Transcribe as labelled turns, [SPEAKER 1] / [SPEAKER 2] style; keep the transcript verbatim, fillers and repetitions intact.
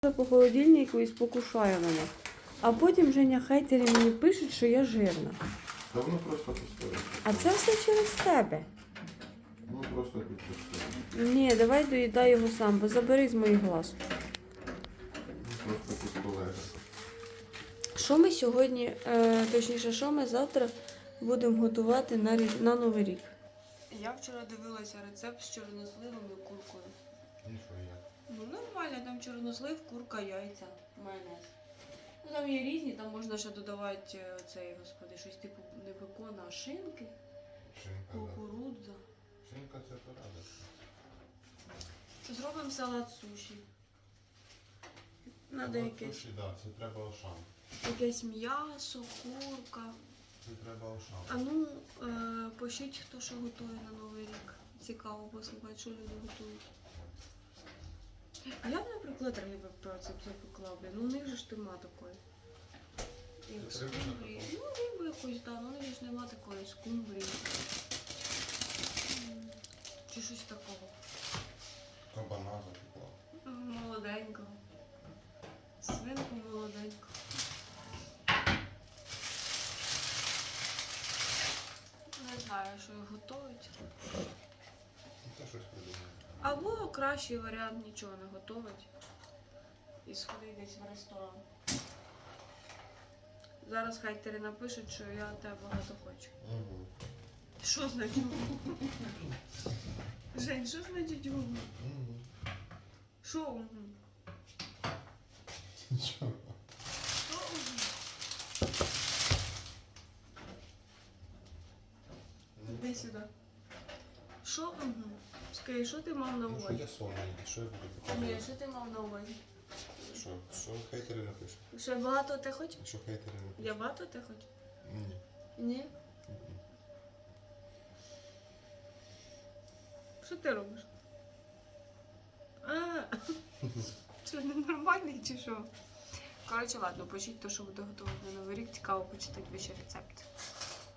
[SPEAKER 1] По холодильнику і спокушаю мене. А потім Женя хейтери мені пишуть, що я жирна.
[SPEAKER 2] Та воно просто постоїть.
[SPEAKER 1] А це все через тебе.
[SPEAKER 2] Воно просто тут постоїть.
[SPEAKER 1] Ні, давай доїдай його сам, бо забери з моїх глаз.
[SPEAKER 2] Воно просто тут полежить.
[SPEAKER 1] Що ми сьогодні, е, точніше, що ми завтра будемо готувати на, рі- на Новий рік? Я вчора дивилася рецепт з чорносливом і куркою.
[SPEAKER 2] І що я?
[SPEAKER 1] Ну нормально, там чорнослив, курка, яйця, майонез. Ну там є різні, там можна ще додавати е, цей, господи, щось типу не бекона, а шинки,
[SPEAKER 2] Шинка, да.
[SPEAKER 1] кукурудза.
[SPEAKER 2] Шинка це порада.
[SPEAKER 1] Зробимо салат суші. Надо
[SPEAKER 2] Ну,
[SPEAKER 1] якесь,
[SPEAKER 2] суші, да, це треба ошам.
[SPEAKER 1] якесь м'ясо, курка.
[SPEAKER 2] Це треба ошам.
[SPEAKER 1] А ну, е, пишіть, хто що готує на Новий рік. Цікаво послухати, що люди готують. Я б, наприклад, риби про це запекла, блін. Ну, у них же ж нема такої. Як
[SPEAKER 2] Це риби
[SPEAKER 1] скумбрії. Ну, рибу якусь, так, ну у них ж нема такої скумбрії. М, Чи щось такого.
[SPEAKER 2] Кабана запекла.
[SPEAKER 1] М, Молоденького. Свинку молоденьку. Не знаю, що їх готують.
[SPEAKER 2] Ну, це щось придумає.
[SPEAKER 1] Або кращий варіант нічого не готувати і сходити десь в ресторан. Зараз хайтери напишуть, що я тебе багато хочу.
[SPEAKER 2] Угу.
[SPEAKER 1] Що значить угу? Жень, що значить угу?
[SPEAKER 2] Угу.
[SPEAKER 1] Що угу?
[SPEAKER 2] Нічого.
[SPEAKER 1] Що угу? Іди сюди. Що угу? Скажи, що ти мав на
[SPEAKER 2] Ну, що
[SPEAKER 1] увазі?
[SPEAKER 2] я сонний, що я буду
[SPEAKER 1] Ні,
[SPEAKER 2] показувати?
[SPEAKER 1] що ти мав на увазі?
[SPEAKER 2] Що? Що хейтери напишуть?
[SPEAKER 1] Що багато ти хочеш?
[SPEAKER 2] Що хейтери напишуть?
[SPEAKER 1] Я багато ти хочеш?
[SPEAKER 2] Ні.
[SPEAKER 1] Ні?
[SPEAKER 2] Мгм.
[SPEAKER 1] Що ти робиш? А, що, ненормальний чи що? Коротше, ладно, пишіть те, що буду готувати на Новий рік. Цікаво почитати ваші рецепти.